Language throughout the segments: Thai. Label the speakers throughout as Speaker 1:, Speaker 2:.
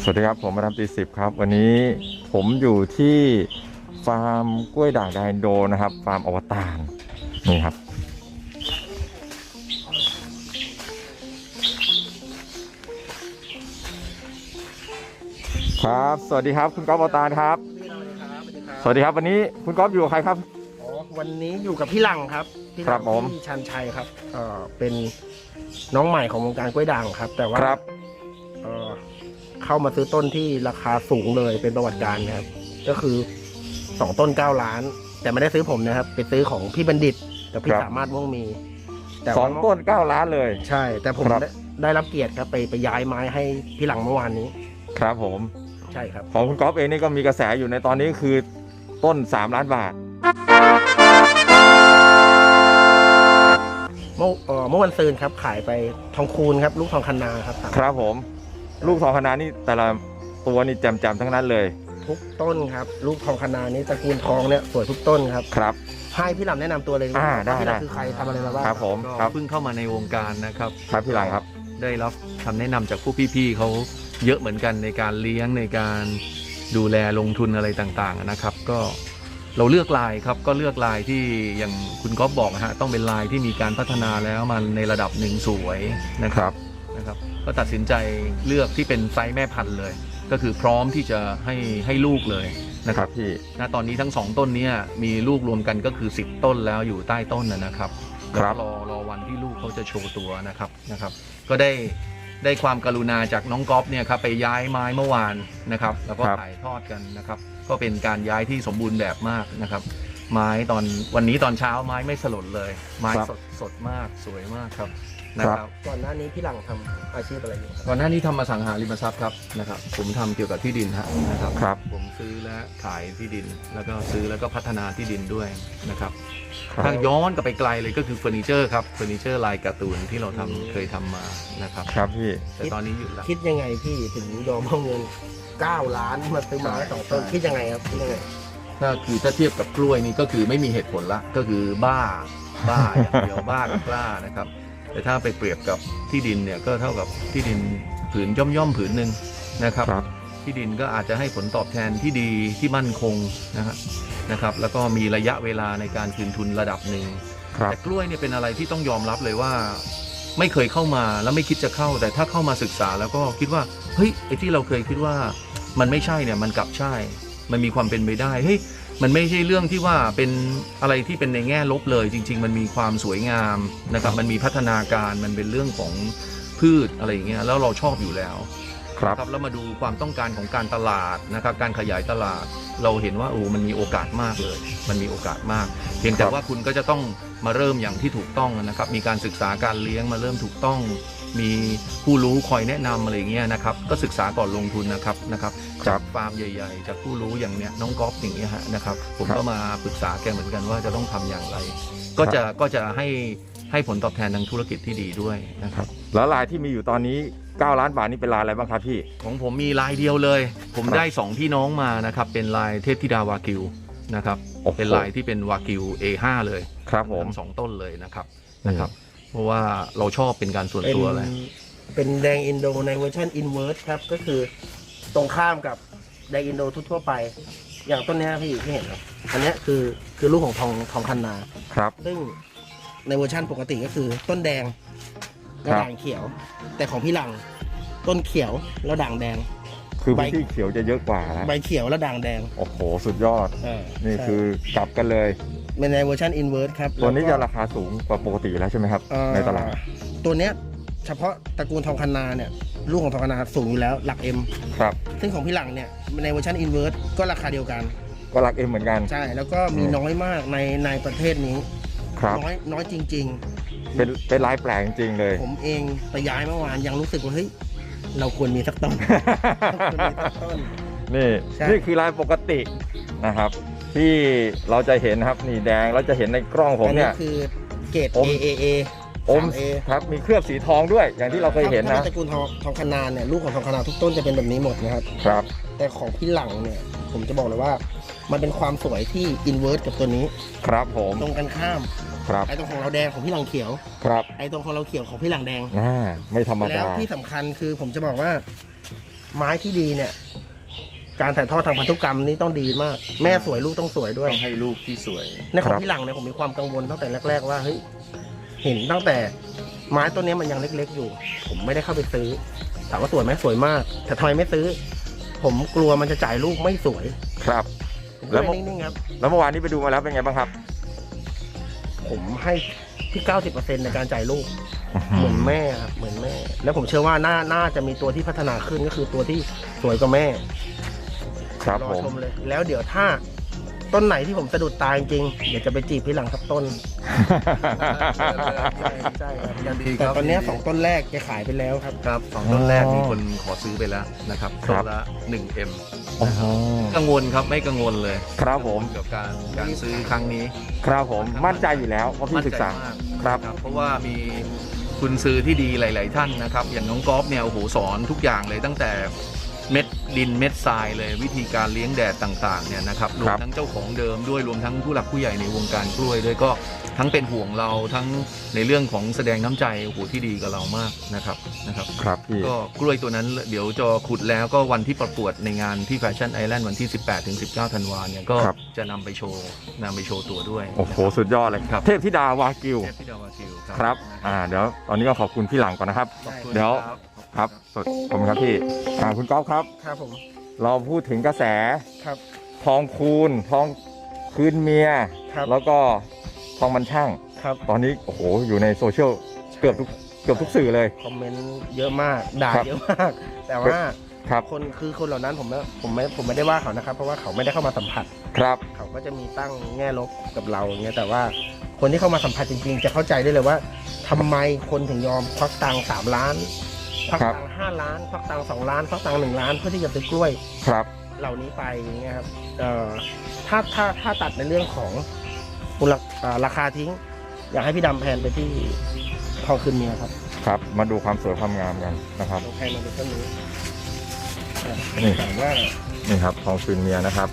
Speaker 1: สวัสดีครับผมมาทำตีสิบครับวันนี้ผมอยู่ที่ฟาร์มกล้วยด่างแดงโดนะครับฟาร์มอวตารนี่ครับครับสวัสดีครับคุณก๊อฟอวตารครับสวัสดีครับวันนี้คุณก๊อฟอยู่กับใครครับ
Speaker 2: อ๋อวันนี้อยู่กับพี่หลังครับพี่ห
Speaker 1: ครั
Speaker 2: ลั
Speaker 1: บผม
Speaker 2: ที่ชันชัยครับเป็นน้องใหม่ของวงการกล้วยด่างครับแต่ว่า
Speaker 1: ครับ
Speaker 2: เข้ามาซื้อต้นที่ราคาสูงเลยเป็นประวัติการนะครับก็คือ2ต้น9 ล้านแต่ไม่ได้ซื้อผมนะครับไปซื้อของพี่บัณฑิตกับพี่สามารถม่วงมีแต่
Speaker 1: สองต้น9 ล้านเลย
Speaker 2: ใช่แต่ผม
Speaker 1: ครับ
Speaker 2: ได้รับเกียรติครับไปย้ายไม้ให้พี่หลังเมื่อวานนี้
Speaker 1: ครับผม
Speaker 2: ใช่ครับ
Speaker 1: ของคุณก๊อฟเองนี่ก็มีกระแสอยู่ในตอนนี้คือต้น3 ล้านบาท
Speaker 2: เมื่อวันซืนครับขายไปทองคูณครับลูกทองคันนาครับ
Speaker 1: ครับผมลูกทองคณะนี่แต่ละตัวนี่แจ่มๆทั้งนั้นเลย
Speaker 2: ทุกต้นครับลูกทองคณานี้ตระกูลทองเนี่ยสวยทุกต้นครับ
Speaker 1: ครับ
Speaker 2: ให้พี่หลังแนะนำตัวเลย
Speaker 1: ได้
Speaker 2: พี่หลังคือใครทำอะไรมาบ้าง
Speaker 1: ครับผม
Speaker 3: ก็
Speaker 1: ครับ
Speaker 3: เพิ่งเข้ามาในวงการนะครับ
Speaker 1: ครับพี่หลังครับ
Speaker 3: ได้รับคำแนะนำจากผู้พี่ๆเขาเยอะเหมือนกันในการเลี้ยงในการดูแลลงทุนอะไรต่างๆนะครับ ก็เราเลือกลายครับก็เลือกลายที่อย่างคุณก๊อฟบอกนะฮะต้องเป็นลายที่มีการพัฒนาแล้วมันในระดับหนึ่งสวยนะครับก็ตัดสินใจเลือกที่เป็นไซส์แม่พันธุ์เลย ก็คือพร้อมที่จะให้ลูกเลยนะค
Speaker 1: ค
Speaker 3: รั
Speaker 1: รับ บพี่
Speaker 3: ณตอนนี้ทั้ง2ต้นนี้มีลูกรวมกันก็คือ10ต้นแล้วอยู่ใต้ต้นนะครับ
Speaker 1: ครับ
Speaker 3: แล้วรอวันที่ลูกเขาจะโชว์ตัวนะครับ ก็ได้ความกรุณาจากน้องก๊อฟเนี่ยครับไปย้ายไม้เมื่อวานนะครับแล้วก็ถ่ายทอดกันนะครับก็เป็นการย้ายที่สมบูรณ์แบบมากนะครับ ไม้วันนี้ตอนเช้าไม้ไม่สลดเลย ไม้สดมากสวยมากครับนะครับ
Speaker 2: ก่อนหน้านี้พี่หลังทำอาชีพอะไรอยู่ครับ
Speaker 3: ก่อนหน้านี้ทำอสังหาริมทรัพย์ครับนะครับผมทำเกี่ยวกับที่ดินนะครับ
Speaker 1: ครับ
Speaker 3: ผมซื้อและขายที่ดิน แล้วก็ซื้อแล้วก็พัฒนาที่ดินด้วยนะครับ
Speaker 1: ครับ
Speaker 3: ถ้าย้อนกลับไปไกลเลยก็คือเฟอร์นิเจอร์ครับเฟอร์นิเจอร์ลายการ์ตูนที่เราเคยทำมานะครับ
Speaker 1: ครับพี่
Speaker 3: แต่ตอนนี้หยุดแล้ว
Speaker 2: คิดยังไงพี่ถึงยอมเอาเงิน9 ล้านมาซื้อไม้2 ต้นคิดยังไงครับคิดยังไง
Speaker 3: ถ้าเทียบกับกล้วยนี่ก็คือไม่มีเหตุผลละก็คือบ้าอย่างเดียว บ้ากับกล้านะครับ แต่ถ้าไปเปรียบกับที่ดินเนี่ยก็เท่ากับที่ดินผืนย่อมผืนหนึ่งนะครับ
Speaker 1: ครับ
Speaker 3: ที่ดินก็อาจจะให้ผลตอบแทนที่ดีที่มั่นคงนะครับแล้วก็มีระยะเวลาในการคืนทุนระดับหนึ่ง
Speaker 1: ครับ
Speaker 3: แต่กล้วยเนี่ยเป็นอะไรที่ต้องยอมรับเลยว่าไม่เคยเข้ามาแล้วไม่คิดจะเข้า แต่ถ้าเข้ามาศึกษาแล้วก็คิดว่าเฮ้ยไอ้ที่เราเคยคิดว่ามันไม่ใช่เนี่ยมันกลับใช่มันมีความเป็นไปได้เฮ้ยมันไม่ใช่เรื่องที่ว่าเป็นอะไรที่เป็นในแง่ลบเลยจริงๆมันมีความสวยงามนะครับมันมีพัฒนาการมันเป็นเรื่องของพืชอะไรอย่างเงี้ยแล้วเราชอบอยู่แล้ว
Speaker 1: ครับ
Speaker 3: แล้วมาดูความต้องการของการตลาดนะครับการขยายตลาดเราเห็นว่ามันมีโอกาสมากเลยมันมีโอกาสมาก เพียงแต่ว่าคุณก็จะต้องมาเริ่มอย่างที่ถูกต้องนะครับมีการศึกษาการเลี้ยงมาเริ่มถูกต้อง มีผู้รู้คอยแนะนำอะไรอย่างเงี้ยนะครับก็ศึกษาก่อนลงทุนนะครับจากฟาร์มใหญ่ๆจากผู้รู้อย่างเนี้ยน้องก๊อฟอย่างเงี้ยฮะนะครับผมก็มาปรึกษาแกเหมือนกันว่าจะต้องทำอย่างไร ก็จะให้ผลตอบแทนทางธุรกิจที่ดีด้วยนะครับ
Speaker 1: แล้วลายที่มีอยู่ตอนนี้9 ล้านบาทนี่เป็นลายอะไรบ้างครับพี่
Speaker 3: ของผมมีลายเดียวเลย ผมได้2พี่น้องมานะครับเป็นลายเทพธิดาวากิวนะครับ
Speaker 1: โอ้โห
Speaker 3: เป็นลายที่เป็นวากิว A5 เลย
Speaker 1: ครับผม
Speaker 3: ทั้ง2ต้นเลยนะครับเพราะว่าเราชอบเป็นการส่วน
Speaker 2: เป็น
Speaker 3: ตัวเลย
Speaker 2: เป็นแดงอินโดในเวอร์ชันอินเวอร์สครับก็คือตรงข้ามกับแดงอินโดทั่วๆไป อย่างต้นเนี้ยพี่เห็นครับอันเนี้ยคือลูกของทองคันนา
Speaker 1: ครับ
Speaker 2: ซึ่งในเวอร์ชันปกติก็คือต้นแดงแล้ว
Speaker 1: ครับ
Speaker 2: ด่างเขียว แต่ของพี่หลังต้นเขียวแล้วด่างแดง
Speaker 1: คือพื้นที่เขียวจะเยอะกว่านะ
Speaker 2: ใบเขียวแล้วด่างแดง
Speaker 1: โอ้โหสุดยอด นี่
Speaker 2: ใช่
Speaker 1: คือกลับกันเลย
Speaker 2: เป็นในเวอร์ชันอินเวอร์สครับ
Speaker 1: ตัวนี้
Speaker 2: แล้
Speaker 1: จะ
Speaker 2: ก็
Speaker 1: ราคาสูงกว่าปกติแล้วใช่ไหมครับ ในตลาด
Speaker 2: ตัวเนี้ยเฉพาะตระกูลทองคันนาเนี่ยลูกของทองคันนาสูงอยู่แล้วหลัก M
Speaker 1: ครับ
Speaker 2: ซึ่งของพี่หลังเนี่ยในเวอร์ชันอินเวอร์สก็ราคาเดียวกัน
Speaker 1: ก็รักเอ็มเหมือนกัน
Speaker 2: ใช่แล้วก็มีน้อยมากในประเทศนี้
Speaker 1: ครับ
Speaker 2: น้อยจริง
Speaker 1: เป็นลายแปลกจริงๆเลย
Speaker 2: ๆ ผมเองไปย้ายเมื่อวานยังรู้สึกว่าเฮ้ยเราควรมีสักต้น ควรมีสักต้น
Speaker 1: นี่
Speaker 2: ใช่
Speaker 1: นี่คือลายปกตินะครับ ที่เราจะเห็นนะครับนี่แดงเราจะเห็นในกล้องผมเนี่ย
Speaker 2: อัคือเกรด
Speaker 1: อม
Speaker 2: AAA
Speaker 1: อม
Speaker 2: 3A
Speaker 1: ครับมีเคลือบสีทองด้วย อย่างที่เราเคยเห็น
Speaker 2: ถ้า
Speaker 1: นะ
Speaker 2: เป็นตระกูลทองคันนาเนี่ยลูกของทองคันนาทุกต้นจะเป็นแบบนี้หมดนะครับ
Speaker 1: ครับ
Speaker 2: แต่ของพี่หลังเนี่ยผมจะบอกเลยว่ามันเป็นความสวยที่อินเวอร์สกับตัวนี้
Speaker 1: ครับผม
Speaker 2: ตรงกันข้าม
Speaker 1: ครับ
Speaker 2: ไอ้ตรงของเราแดงของพี่หลังเขียว
Speaker 1: ครับ
Speaker 2: ไอ้ตรงของเราเขียวของพี่หลังแดง
Speaker 1: ไม่ธรรม
Speaker 2: แล้
Speaker 1: ดา
Speaker 2: วที่สำคัญคือผมจะบอกว่าไม้ที่ดีเนี่ย การถ่ายทอดทางพันธุกรรมนี่ต้องดีมาก แม่สวยลูกต้องสวยด้วย
Speaker 3: ต้องให้ลูกที่สวย
Speaker 2: ในของพี่หลังเนี่ยผมมีความกังวลตั้งแต่แรกๆว่าเฮ้ยเห็นตั้งแต่ไม้ต้นนี้มันยังเล็กๆอยู่ ผมไม่ได้เข้าไปซื้อถามว่าสวยไหมสวยมาก แต่ทำไมไม่ซื้อ ผมกลัวมันจะจ่ายลูกไม่สวย
Speaker 1: ครับ
Speaker 2: ผม
Speaker 1: แล้
Speaker 2: ก็
Speaker 1: ว
Speaker 2: เลยนิ่งๆครับ
Speaker 1: แล้วเมื่อวานนี้ไปดูมาแล้วเป็นไงบ้างครับ
Speaker 2: ผมให้ที่ 90% ในการจ่ายลูก เหมือนแม่ครับเหมือนแม่ แล้วผมเชื่อว่าน่าจะมีตัวที่พัฒนาขึ้นก็คือตัวที่สวยกว่าแม่
Speaker 1: ครับ
Speaker 2: รอ
Speaker 1: ผม
Speaker 2: ชมเลย แล้วเดี๋ยวถ้าต้นไหนที่ผมสะดุดตาจริงๆเดี๋ยวจะไปจีบพี่หลังสักต้น ใช่ครับ
Speaker 3: ยินดีครับ
Speaker 2: แต่ตอนเนี้ย2 ต้นแรกแกขายไปแล้วครับ
Speaker 3: ครับ2 ต้นแรกมีคนขอซื้อไปแล้วนะครับ
Speaker 1: ครั
Speaker 3: ต้
Speaker 1: บ
Speaker 3: นละ 1M
Speaker 1: โอ้โห
Speaker 3: กังวลครับไม่กังวลเลย
Speaker 1: ครับผม
Speaker 3: กับการซื้อครั้งนี้
Speaker 1: ครับผมมั่นใจอยู่แล้วเพราะพี่ศึกษา
Speaker 3: มั่นใจมาก
Speaker 1: ครับ
Speaker 3: เพราะว่ามีคุณซื้อที่ดีหลาย ๆ ท่านนะครับ อย่างน้องก๊อฟเนี่ยโอ้โหสอนทุกอย่างเลยตั้งแต่เม็ดดินเม็ดทรายเลยวิธีการเลี้ยงแดดต่าง ๆ เนี่ยนะครับรวมทั้งเจ้าของเดิมด้วยรวมทั้งผู้หลักผู้ใหญ่ในวงการกล้วยด้วยก็ทั้งเป็นห่วงเราทั้งในเรื่องของแสดงน้ำใจโอ้โหที่ดีกับเรามากนะครับ
Speaker 1: ครับพี่
Speaker 3: ก็กล้วยตัวนั้นเดี๋ยวจะขุดแล้วก็วันที่ประกวดในงานที่แฟชั่นไอแลนด์วันที่ 18-19 ธันวาเนี่ยก็
Speaker 1: ครับ
Speaker 3: จะนำไปโชว์ตัวด้วย
Speaker 1: โอ้โหสุดยอดเลย
Speaker 3: ครับ
Speaker 1: เทพธิดาวากิว
Speaker 3: เทพธิดาวากิว
Speaker 1: ครับเดี๋ยวตอนนี้ก็ขอบคุณพี่หลังก่อนนะครับ
Speaker 3: ขอบคุณ
Speaker 1: เดี๋ยว
Speaker 3: ครับ
Speaker 1: ครับขอบคุณครับพี่คุณก๊อฟครับ
Speaker 2: ครับผม
Speaker 1: เราพูดถึงกระแส
Speaker 2: ครับ
Speaker 1: ทองคูณทองคืนเมีย
Speaker 2: ครับ
Speaker 1: แล้วก็ทองมันช่าง
Speaker 2: ครับ
Speaker 1: ตอนนี้โอ้โหอยู่ในโซเชียลเกือบทุกสื่อเลย
Speaker 2: คอมเมนต์เยอะมากด่า
Speaker 1: ครับ
Speaker 2: เยอะมาก แต่ว่า
Speaker 1: ครับ
Speaker 2: คนเหล่านั้นผมไม่ได้ว่าเขานะครับ เพราะว่าเขาไม่ได้เข้ามาสัมผัส
Speaker 1: ครับ
Speaker 2: เขาก็จะมีตั้งแง่ลบกับเราอย่างเงี้ยแต่ว่าคนที่เข้ามาสัมผัสจริงๆ จะเข้าใจได้เลยว่าทำไมคนถึงยอมควักตังค์3 ล้านควักตังค์5 ล้านควักตังค์2 ล้านควักตังค์1 ล้านเพื่อที่จะซื้อกล้วย
Speaker 1: ครับ
Speaker 2: เหล่านี้ไปอย่างเงี้ยครับถ้าตัดในเรื่องของราคาทิ้ง อยากให้พี่ดำแพนไปที่ทองคืนเมียครับ
Speaker 1: ครับมาดูความสวยความงามกันนะครับ
Speaker 2: เราแพนมาดูต้นนี้
Speaker 1: นี่
Speaker 2: ถามว่า
Speaker 1: นี่ครับทองคืนเมียนะครับ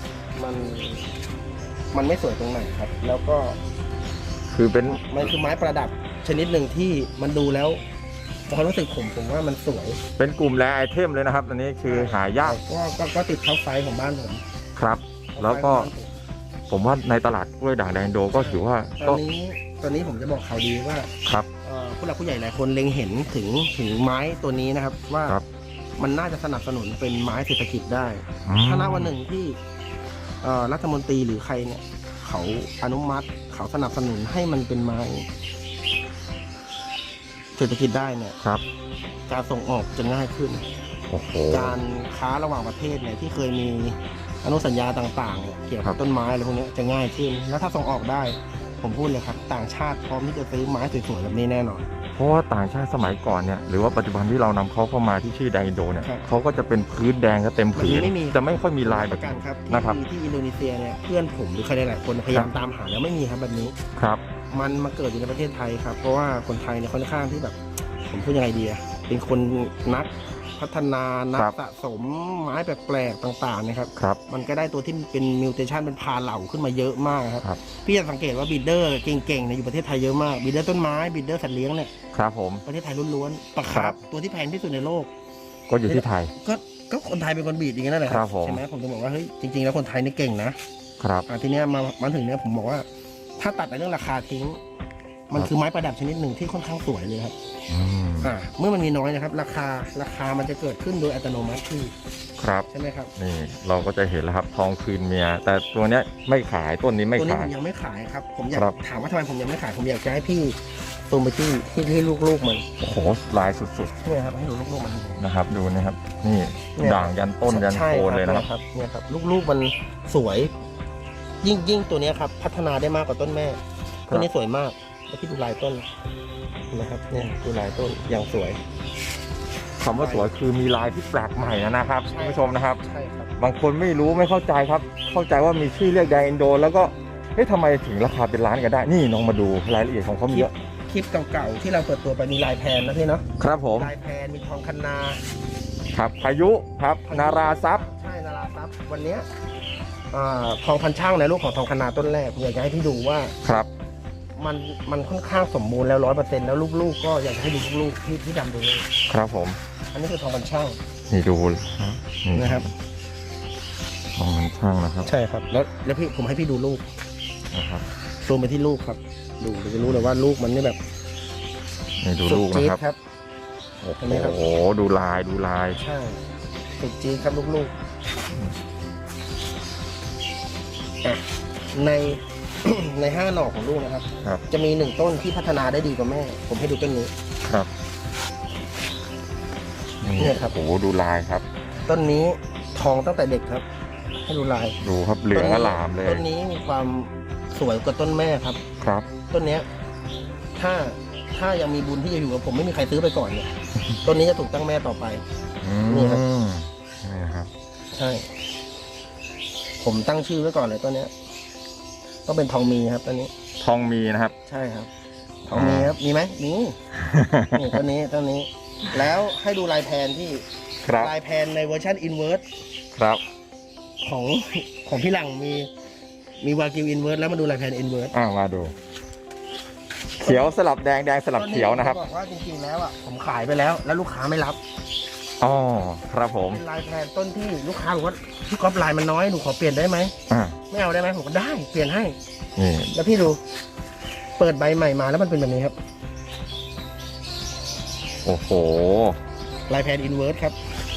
Speaker 2: มันไม่สวยตรงไหนครับ แล้วก็
Speaker 1: คือเป็น
Speaker 2: มันคือไม้ประดับชนิดหนึ่งที่มันดูแล้วความรู้สึกผมว่ามันสวย
Speaker 1: เป็นกลุ่มแรไอเทมเลยนะครับอันนี้คือหายาก
Speaker 2: ก็ติดท็อปไฟว์ของบ้านผม
Speaker 1: ครับ แล้วก็ผมว่าในตลาดกล้วยด่างแดงโดก็ถือว่า
Speaker 2: ต
Speaker 1: ก็
Speaker 2: อนนี้ผมจะบอกข่าวดีว่า
Speaker 1: ครับ
Speaker 2: ผู้หลักผู้ใหญ่หลายคนเล็งเห็นถึงไม้ตัวนี้นะครับ ว่า
Speaker 1: ครับ
Speaker 2: มันน่าจะสนับสนุนเป็นไม้เศรษฐกิจได้ ถ้าณวันหนึ่งที่รัฐมนตรีหรือใครเนี่ยเขาอนุมัติเขาสนับสนุนให้มันเป็นไม้เศรษฐกิจได้เนี่ย
Speaker 1: ครับ
Speaker 2: การส่งออกจะง่ายขึ้น
Speaker 1: โอ้โห
Speaker 2: การค้าระหว่างประเทศเนี่ยที่เคยมีอนุสัญญาต่างๆเนี่ยเกี่ยว
Speaker 1: ครั
Speaker 2: กับบ ต้นไม้อะไรพวกนี้จะง่ายขึ้น แล้วถ้าส่งออกได้ ผมพูดเลยครับ ต่างชาติพร้อมที่จะซื้อไม้สวยๆแบบนี้แน่นอน
Speaker 1: เพราะว่าต่างชาติสมัยก่อนเนี่ยหรือว่าปัจจุบันที่เรานำเขาเข้ามาที่ชื่อแดงอินโดเนี่ย
Speaker 2: ครับ
Speaker 1: เขาก็จะเป็นพื้นแดงก็เต็มผืน
Speaker 2: ไม่มี
Speaker 1: จะไม่ค่อยมีลายแบ
Speaker 2: ป
Speaker 1: บ
Speaker 2: ระกันครับ
Speaker 1: นะครับ
Speaker 2: ที่อินโดนีเซียเนี่ยเพื่อนผมหรือใครหลายๆคนพยายามตามหาแล้วไม่มีครับแบบนี้
Speaker 1: ครับ
Speaker 2: มันมาเกิดอยู่ในประเทศไทยครับ เพราะว่าคนไทยเนี่ยค่อนข้างที่แบบ ผมพูดยังไงดีอะเป็นคนนักพัฒนานัก
Speaker 1: ครับ
Speaker 2: สะสมไม้แปลกๆต่างๆนะครับ
Speaker 1: ครับ
Speaker 2: มันก็ได้ตัวที่เป็นมิวเทชันเป็นพาเหล่าขึ้นมาเยอะมากครับ
Speaker 1: ครับ
Speaker 2: พี่จะสังเกตว่าบีดเดอร์เก่งๆเนี่ยอยู่ประเทศไทยเยอะมากบีดเดอร์ต้นไม้บีดเดอร์สัตว์เลี้ยงเนี่ย
Speaker 1: ครับผม
Speaker 2: ประเทศไทยล้วนๆปลาคา
Speaker 1: ครั
Speaker 2: ร์ฟ
Speaker 1: บ
Speaker 2: ตัวที่แพงที่สุดในโลก
Speaker 1: ก็อยู่ที่ไทย
Speaker 2: ก็คนไทยเป็นคนบีดอย่างนั้นแหละ
Speaker 1: ครับผม
Speaker 2: ใช่ไหมผมจะบอกว่าเฮ้ยจริงๆแล้วคนไทยนี่เก่งนะครับ ทีเนี้ยมาถึงเนี้ยผมบอกว่า ถ้าตัดในเรื่องราคาทิ้ง มันคือไม้ประดับชนิดหนึ่งที่ค่อนข้างสวยเลยครับ
Speaker 1: อืม
Speaker 2: เมื่อมันมีน้อยนะครับ ราคามันจะเกิดขึ้นโดยอัตโนมัติที่
Speaker 1: ครับ
Speaker 2: ใช่ไหมครับ
Speaker 1: นี่เราก็จะเห็นแล้วครับทองคืนเมีย แต่ตัวเนี้ยไม่ขายต้นนี้ไม่
Speaker 2: ตัวนี้
Speaker 1: ขา
Speaker 2: ผ
Speaker 1: ย
Speaker 2: มยังไม่ขายครับ ผมอยาก
Speaker 1: ครับ
Speaker 2: ถามว่าทำไมผมยังไม่ขายผมอยากจะให้พี่ซูมไปที่ลูกๆมัน
Speaker 1: โอ้โหลายสุด
Speaker 2: เนี่ยครับให้ดูลูกๆมัน
Speaker 1: ๆนะครับดูนะครับ นี่
Speaker 2: เนี่ย
Speaker 1: ด่างยันต้นยัน
Speaker 2: ใช่
Speaker 1: โคนเลยนะครับ
Speaker 2: เนี่ยครับลูกๆมันสวย ยิ่งตัวเนี้ยครับ พัฒนาได้มากกว่าต้นแม่
Speaker 1: ครับ
Speaker 2: ต้นนี้สวยมากแล้วที่ดูลายต้นนะครับเนี่ยดูลายต้นอย่างสวย
Speaker 1: คำว่าสวยคือมีลายที่แปลกใหม่นะครับคุณผู้ชมนะครับ
Speaker 2: ใช่ครับ
Speaker 1: บางคนไม่รู้ไม่เข้าใจครับ เข้าใจว่ามีชื่อเรียกแดงอินโด แล้วก็เฮ้ยทำไมถึงราคาเป็นล้านกันได้ นี่น้องมาดูรายละเอียดของเขามีเยอะ
Speaker 2: คลิปเก่าๆที่เราเปิดตัวไปมีลายแพนนะพี่เนาะ
Speaker 1: ครับผม
Speaker 2: ลายแพนมีทองคันนา
Speaker 1: ครับพายุครับนาราซับ
Speaker 2: ใช่นาราทรัพย์วันเนี้ยทองพันช่างในลูกของทองคันนาต้นแรกผมอยากจะให้พี่ดูว่า
Speaker 1: ครับ
Speaker 2: มันค่อนข้างสมบูรณ์แล้ว100%แล้วลูกๆก็อยากจะให้ดูลูกๆที่ดำดูนี่
Speaker 1: ครับผม
Speaker 2: อันนี้คือทองพันช่าง
Speaker 1: นี่ดูครับนี่
Speaker 2: นะครับ
Speaker 1: ของมันช่างนะครับ
Speaker 2: ใช่ครับ แล้วพี่ผมให้พี่ดูลูก
Speaker 1: นะครับ
Speaker 2: ซูมไปที่ลูกครับ ดูจะรู้เลยว่าลูกมันนี่แบบ
Speaker 1: นี่ดู
Speaker 2: สุด
Speaker 1: ลูกนะ
Speaker 2: จี๊ด
Speaker 1: ครับ
Speaker 2: ครับ
Speaker 1: โอ้
Speaker 2: เห็นไหมครับ
Speaker 1: โหดูลายดูลาย
Speaker 2: ใช่สุดจี๊ดครับลูกๆอ่ะใน ใน5 หน่อของลูกนะครับ
Speaker 1: ครับ
Speaker 2: จะมี1 ต้นที่พัฒนาได้ดีกว่าแม่ ผมให้ดูต้นนี้
Speaker 1: ครับนี่
Speaker 2: เนี่ยครับ
Speaker 1: โอ้โหดูลายครับ
Speaker 2: ต้นนี้ทองตั้งแต่เด็กครับ ให้ดูลาย
Speaker 1: ดูครับเหลืองอลามเลย
Speaker 2: ต้นนี้มีความสวยกว่าต้นแม่ครับ
Speaker 1: ครับ
Speaker 2: ต้นเนี้ยถ้ายังมีบุญที่จะอยู่กับผมไม่มีใครซื้อไปก่อนเนี่ย ต้นนี้จะถูกตั้งแม่ต่อไป
Speaker 1: อื
Speaker 2: นี่ครับ
Speaker 1: มนี่ครับ
Speaker 2: ใช่ ผมตั้งชื่อไว้ก่อนเลยต้นเนี้ยต้องเป็นทองมีครับต้นนี้
Speaker 1: ทองมีนะครับ
Speaker 2: ใช่ครับ ทองมีครับ มีไหมมี นี่ต้นนี้ แล้วให้ดูลายแพนที่
Speaker 1: ครับ
Speaker 2: ลายแพนในเวอร์ชันอินเวอร์ส
Speaker 1: ครับ
Speaker 2: ของพี่หลังมีวากิวอินเวอร์สแล้วมาดูลายแพนอินเวอร์ส
Speaker 1: มาดู เขียวสลับแดงแดงสลับเขียวนะครับ
Speaker 2: ต้บอกว่าจริงๆแล้วอ่ะผมขายไปแล้วลูกค้าไม่รับ
Speaker 1: อ๋อครับผม
Speaker 2: เป็นลายแพนต้นที่ลูกค้าบอกว่าพี่ก๊อฟลายมันน้อยหนูขอเปลี่ยนได้ไหม
Speaker 1: อ่า
Speaker 2: ไม่เอาได้ไหมผมก็ได้เปลี่ยนให้
Speaker 1: นี่
Speaker 2: แล้วพี่ดูเปิดใบใหม่มาแล้วมันเป็นแบบนี้ครับ
Speaker 1: โอ้โห
Speaker 2: ลายแพนอินเวอร์สครับ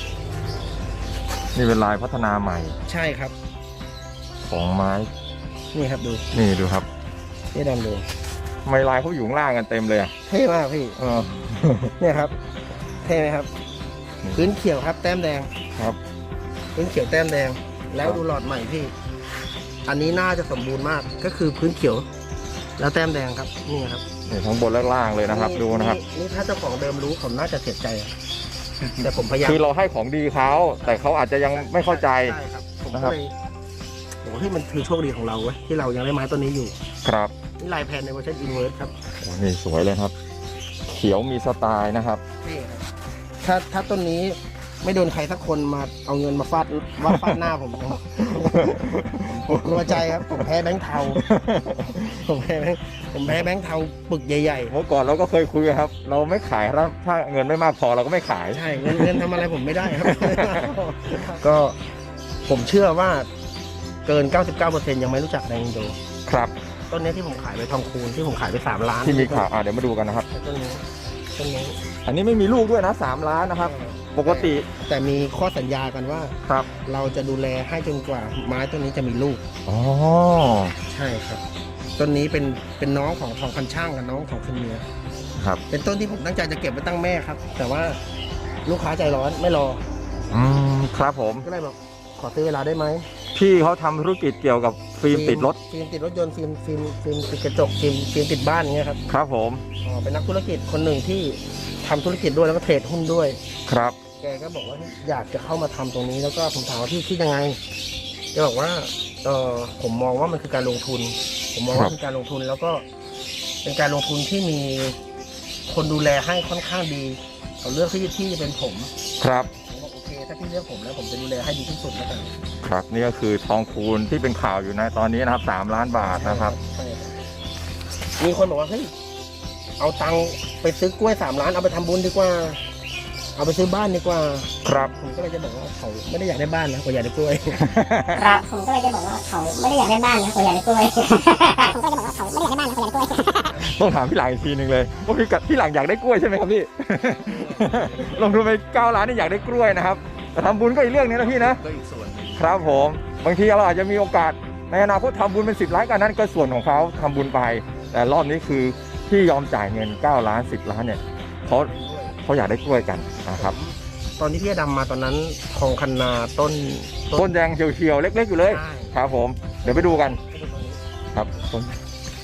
Speaker 1: นี่เป็นลายพัฒนาใหม่
Speaker 2: ใช่ครับ
Speaker 1: ของไม้
Speaker 2: นี่ครับดู
Speaker 1: นี่ดูครับ
Speaker 2: นี่ดำดู
Speaker 1: ทำไมลายเขาอยู่ข้างล่างกันเต็มเลยอ่ะ
Speaker 2: เท่มากพี่
Speaker 1: เออ
Speaker 2: เนี่ยครับ เท่ไหมครับ
Speaker 1: นี่
Speaker 2: พื้นเขียวครับ แต้มแดง
Speaker 1: ครับ
Speaker 2: พื้นเขียวแต้มแดง แล้วดูหลอดใหม่พี่ อันนี้น่าจะสมบูรณ์มากก็คือพื้นเขียว แล้วแต้มแดงครับนี่ครับ
Speaker 1: นี่ทั้งบนและล่างเลยนะครับ ดูนะครับ
Speaker 2: นี่ถ้าเจ้าของเดิมรู้ผมน่าจะเสียใจอะแต่ผมพยายาม
Speaker 1: คือเราให้ของดีเขาแต่เขาอาจจะยังไม่เข้าใจ
Speaker 2: ใช่ครับผม
Speaker 1: นะค
Speaker 2: ก็
Speaker 1: รับ
Speaker 2: เลยโอ้โหที่มันคือโชคดีของเราเว้ยที่เรายังได้ไม้ต้นนี้อยู่
Speaker 1: ครับ
Speaker 2: นี่ลายแพนในเวอร์ชันอินเวอร์สครับ
Speaker 1: โอ้นี่สวยเลยครับ เขียวมีสไตล์นะครับ
Speaker 2: นี่ครับถ้าต้นนี้ไม่โดนใครสักคนมาเอาเงินมาฟาดหน้าผม ผมกลัวใจครับ ผมแพ้แบงค์เทา ผมแพ้แบงค์เทาปึกใหญ่
Speaker 1: เมื่อก่อนเราก็เคยคุยครับ เราไม่ขายครับถ้าเงินไม่มากพอเราก็ไม่ขาย
Speaker 2: ๆ ใช่เงินทำอะไรผมไม่ได้ครับ ก็ผมเชื่อว่าเกิน 99%ยังไม่รู้จักแดงอินโด
Speaker 1: ครับ
Speaker 2: ต้นนี้ที่ผมขายไปทองคูณที่ผมขายไป3 ล้าน
Speaker 1: ที่มีข่าวเดี๋ยวมาดูกันนะครับ
Speaker 2: ต้นนี้
Speaker 1: อันนี้ไม่มีลูกด้วยนะ3 ล้านนะครับ ปกติ
Speaker 2: แต่มีข้อสัญญากันว่า
Speaker 1: ครับ
Speaker 2: เราจะดูแลให้จนกว่าไม้ต้นนี้จะมีลูก
Speaker 1: อ๋อ
Speaker 2: ใช่ครับ ต้นนี้เป็นน้องของทองคันช่างกับน้องของคุณเมีย
Speaker 1: ครับ
Speaker 2: เป็นต้นที่ผมตั้งใจจะเก็บไว้ตั้งแม่ครับ แต่ว่าลูกค้าใจร้อนไม่รอ
Speaker 1: ครับผม
Speaker 2: ก็เลยบอกขอซื้อเวลาได้ไหม
Speaker 1: พี่เขาทำธุรกิจเกี่ยวกับฟิล์มติดรถ
Speaker 2: ฟิล์มติดรถยนต์ฟิล์มติดกระจกฟิล์มติดบ้านอย่างเงี้ยครับ
Speaker 1: ครับผม
Speaker 2: อ๋อเป็นนักธุรกิจคนหนึ่งที่ทำธุรกิจด้วยแล้วก็เทรดหุ้นด้วย
Speaker 1: ครับ
Speaker 2: แกก็บอกว่าอยากจะเข้ามาทำตรงนี้แล้วก็ผมถามว่าพี่คิดยังไงแกบอกว่าผมมองว่ามันคือการลงทุน ผมมองว่าคือการลงทุนแล้วก็เป็นการลงทุนที่มีคนดูแลให้ค่อนข้างดีเขาเลือกที่จะเป็นผม
Speaker 1: ครับ
Speaker 2: ผมบอกโอเคถ้าพี่เลือกผมแล้วผมจะดูแลให้ดีที่สุดแล้วกัน
Speaker 1: ครับนี่ก็คือทองคูณที่เป็นข่าวอยู่ในตอนนี้นะครับ3 ล้านบาทนะครับ
Speaker 2: ใช่ครับมีคนบอกว่าเฮ้ยเอาตังค์ไปซื้อกล้วย3 ล้านเอาไปทำบุญดีกว่า เอาไปซื้อบ้านดีกว่า
Speaker 1: ครับ
Speaker 2: ผมก็เลยจะบอกว่าเขาไม่ได้อยากได้บ้านนะเขาอยากได้กล้วย
Speaker 4: ครับผมก็เลยจะบอกว่าเขาไม่ได้อยากได้บ้านนะเขาอยากได้กล้วย ผมก็เลยจะบอกว่าเขาไม่ได้อยากได้บ้านนะเขาอยากได้กล้วย
Speaker 1: ต้องถามพี่หลังอีกทีหนึ่งเลยว่าพี่หลังอยากได้กล้วยใช่ไหมครับพี่ ลงทุนไป9 ล้านนี่อยากได้กล้วยนะครับแต่ทำบุญก็อีกเรื่องนึงนะพี่นะ
Speaker 3: ก็อีกส่วนหนึ่ง
Speaker 1: ครับผมบางทีเราอาจจะมีโอกาสในอนาคตทำบุญเป็น10 ล้านกันนั้นก็ส่วนของเขาทำบุญไป แต่รอบนี้คือที่ยอมจ่ายเงิน9 ล้าน10 ล้านเนี่ยเขาอยากได้กล้วยกันนะครับ
Speaker 2: ตอนที่พี่ดำมาตอนนั้นทองคันนาต้น
Speaker 1: ต้นแดงเขียวๆเล็กๆอยู่เลย
Speaker 2: ใช่
Speaker 1: ครับผมเดี๋ยวไปดูกันครับต้น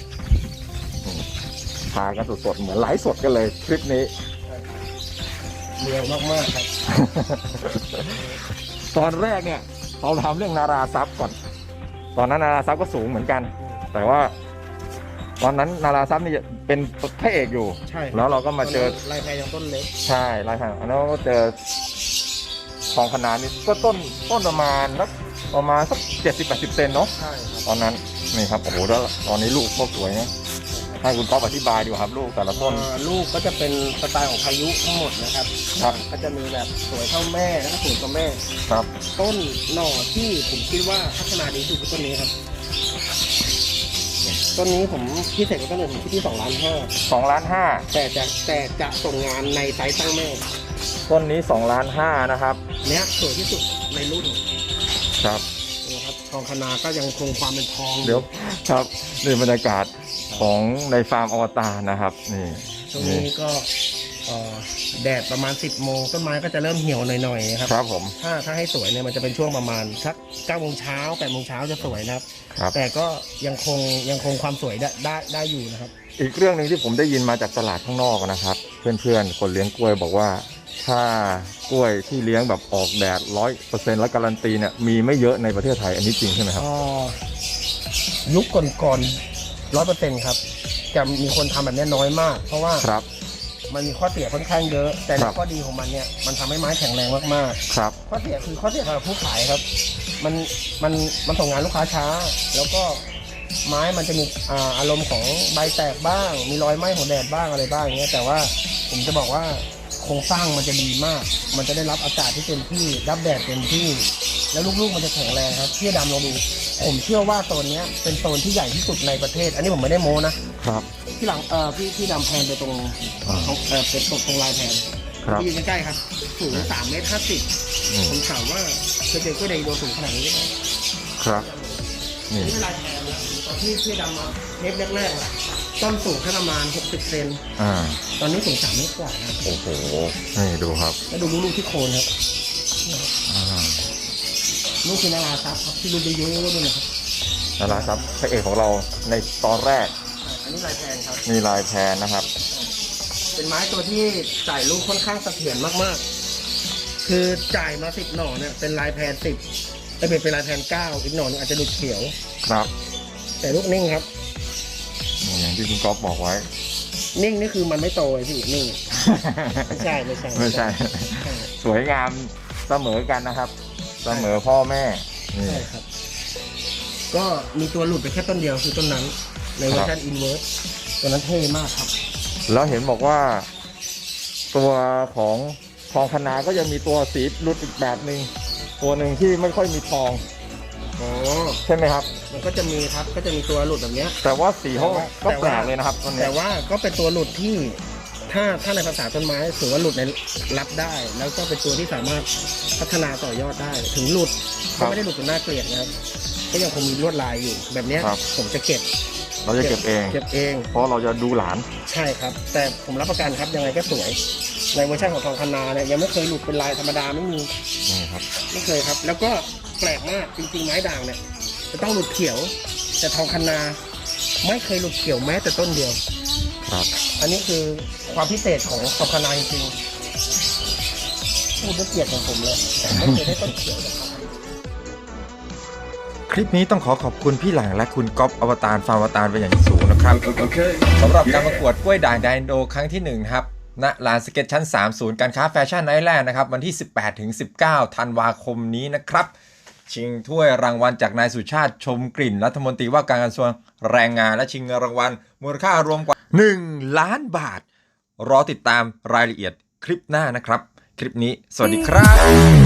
Speaker 1: พากันสดๆเหมือนไลฟ์สดกันเลยคลิปนี้
Speaker 2: เรียวมากๆครับ
Speaker 1: ตอนแรกเนี่ยเราทำเรื่องนาราทรัพย์ก่อน ตอนนั้นนาราทรัพย์ก็สูงเหมือนกัน แต่ว่าตอนนั้นนาราทรัพย์นี่เป็นพระเอกอยู่
Speaker 2: ใช่
Speaker 1: แล้วเราก็มาเจอ
Speaker 2: ลายแพรยังต้นเล็ก
Speaker 1: ใช่ลายทางอันนั้นก็เจอทองขนาดนี้ก็ต้นประมาณสัก70-80 เซนเนาะ
Speaker 2: ใช่ครับ
Speaker 1: ตอนนั้นนี่ครับโอ้โหแล้วตอนนี้ลูกก็สวยนะให้คุณก๊อฟอธิบายดีกว่าครับลูกแต่ละต้น
Speaker 2: ลูกก็จะเป็นสไตล์ของพายุทั้งหมดนะครับ
Speaker 1: ครับ
Speaker 2: ก็จะมีแบบสวยเท่าแม่แล้วก็สวยกว่าแม่
Speaker 1: ครับ
Speaker 2: ต้นหน่อที่ผมคิดว่าพัฒนาดีที่สุดคือต้นนี้ครับต้นนี้ผมพิเศษกว่าต้นอื่นผมคิดที่2.5 ล้าน
Speaker 1: 2.5 ล้าน
Speaker 2: แต่จะส่งงานในไซส์ตั้งแม่
Speaker 1: ต้นนี้2.5 ล้านนะครับ
Speaker 2: เนี้ยสวยที่สุดในรุ่น
Speaker 1: ครับ
Speaker 2: นะครับทองคณาก็ยังคงความเป็นทอง
Speaker 1: เดี๋ยวครับนี่บรรยากาศของในฟาร์มอวตารนะครับนี่
Speaker 2: ตรงนี้ก็แดดประมาณ 10 โมงต้นไม้ก็จะเริ่มเหี่ยวหน่อยๆครับ
Speaker 1: ครับผม
Speaker 2: ถ้าให้สวยเนี่ยมันจะเป็นช่วงประมาณสัก9 โมงเช้า8 โมงเช้าจะสวยนะครับ
Speaker 1: ครับ
Speaker 2: แต่ก็ยังคงความสวยได้อยู่นะครับ
Speaker 1: อีกเรื่องหนึ่งที่ผมได้ยินมาจากตลาดข้างนอกนะครับ เพื่อนๆคนเลี้ยงกล้วยบอกว่า ถ้ากล้วยที่เลี้ยงแบบออกแดด 100% และการันตีเนี่ยมีไม่เยอะในประเทศไทยอันนี้จริงใช่ไหมครับ
Speaker 2: ยุคก่อน100%ครับจะมีคนทำแบบนี้น้อยมาก เพราะว่า
Speaker 1: ครับ
Speaker 2: มันมีข้อเสียค่อนข้างเยอะ แต่
Speaker 1: ครับ
Speaker 2: ข้อดีของมันเนี่ยมันทำให้ไม้แข็งแรงมาก
Speaker 1: ครับ
Speaker 2: ๆข้อเสียคือข้อเสียสำหรับผู้ขายครับ มันส่งงานลูกค้าช้า แล้วก็ไม้มันจะมีอารมณ์ของใบแตกบ้าง มีรอยไหม้ของแดดบ้างอะไรบ้างอย่างเงี้ยแต่ว่าผมจะบอกว่าโครงสร้างมันจะดีมาก มันจะได้รับอากาศที่เต็มที่รับแดดเต็มที่ แล้วลูกๆมันจะแข็งแรงครับพี่ดำลองดูผมเชื่อว่าโซนเนี้ยเป็นโซนที่ใหญ่ที่สุดในประเทศ อันนี้ผมไม่ได้โม้นะครับ ที่หลังพี่ดำแพนไปตรงเป็นตรงลายแพน
Speaker 1: ครับ
Speaker 2: ที่อยู่ใกล้ๆครับสูง3.50 เมตร
Speaker 1: อืม
Speaker 2: ผมถามว่าเคยเจอกล้วยไดโดสูงขนาดนี้หรือเปล่า
Speaker 1: ครับ นี่
Speaker 2: นี่เป็นลายแพนนะตอนที่พี่ดำมาเทปแรกๆอะต้นสูงแค่ประมาณ60 เซน
Speaker 1: อ่า
Speaker 2: ตอนนี้สูง3 เมตรกว่านะ
Speaker 1: โอ้โหนี่ดูครับ
Speaker 2: แล้วดูลูกที่โคนครับ
Speaker 1: อ่า
Speaker 2: ลูกคือนาราซับครับที่ลูกเยอะๆด้วยนะครับ
Speaker 1: นั่นแหละครับพระเอกของเราในตอนแรก
Speaker 2: อันนี้ลายแพนครับ
Speaker 1: มีลายแพนนะครับ
Speaker 2: เป็นไม้ตัวที่จ่ายลูกค่อนข้างเสถียรมากๆ คือจ่ายมา10 หน่อเนี่ยเป็นลายแพน10แต่เป็นลายแพน9อีกหน่อนึงอาจจะดูเขียว
Speaker 1: ครับ
Speaker 2: แต่ลูกนิ่งครับ
Speaker 1: นี่อย่างที่คุณก๊อฟบอกไว้
Speaker 2: นิ่งนี่คือมันไม่โตเลยพี่นิ่ง ไม่ใช่
Speaker 1: ไม่ใช่ สวยงามเสมอกันนะครับ เสมอพ่อแม่นี่
Speaker 2: ใช่ครับ ก็มีตัวหลุดไปแค่ต้นเดียวคือต้นนั้น ในเวอร์ชันอินเวอร์สตัวนั้นเท่มากครับ
Speaker 1: แล้วเห็นบอกว่า ตัวของทองคณาก็ยังมีตัวสีรุดอีกแบบหนึ่งตัวหนึ่งที่ไม่ค่อยมีทอง
Speaker 2: อ๋อ
Speaker 1: ใช่ไหมครับ
Speaker 2: มันก็จะมีครับก็จะมีตัวหลุดแบบเนี้ย
Speaker 1: แต่ว่าสีเขาก็
Speaker 2: แต่
Speaker 1: แปล
Speaker 2: ว่า
Speaker 1: กเลยนะครับตัวนี้
Speaker 2: แต่ว่าก็เป็นตัวหลุดที่ถ้าในภาษาต้นไม้ถือว่าหลุดในรับได้ แล้วก็เป็นตัวที่สามารถพัฒนาต่อยอดได้ ถึงหลุดก็ไม่ได้หลุดจนน่าเกลียดนะครับก็ยังคงมีลวดลายอยู่แบบเนี้ยผมจะเก็บ
Speaker 1: เราจะเก็บเอง
Speaker 2: เก็บเอง
Speaker 1: เพราะเราจะดูหลาน
Speaker 2: ใช่ครับ แต่ผมรับประกันครับยังไงก็สวย ในเวอร์ชันของทองคณาเนี่ยยังไม่เคยหลุดเป็นลายธรรมดาไม่มี
Speaker 1: นี่ครับ
Speaker 2: ไม่เคยครับ แล้วก็แปลกมากจริงๆไม้ด่างเนี่ยจะต้องหลุดเขียว แต่ทองคณาไม่เคยหลุดเขียวแม้แต่ต้นเดียว
Speaker 1: ครับ
Speaker 2: อันนี้คือความพิเศษของทองคณาจริงๆพูดด้วยเกียรติของผมเลยไม่เคยได้ต้นเขียวจากเขา
Speaker 1: คลิปนี้ต้องขอบคุณพี่หลังและคุณก๊อฟอวตารฟาร์มอวตารเป็นอย่างสูงนะครับสำหรับการประกวดกล้วยด่างไดโนครั้งที่1ครับณลานสเก็ตชั้น3ศูนย์การค้าแฟชั่นไนท์แลนด์นะครับวันที่ 18-19 ธันวาคมนี้นะครับชิงถ้วยรางวัลจากนายสุชาติชมกลิ่นรัฐมนตรีว่าการกระทรวงแรงงานและชิงเงินรางวัลมูลค่ารวมกว่า1 ล้านบาทรอติดตามรายละเอียดคลิปหน้านะครับคลิปนี้สวัสดีครับ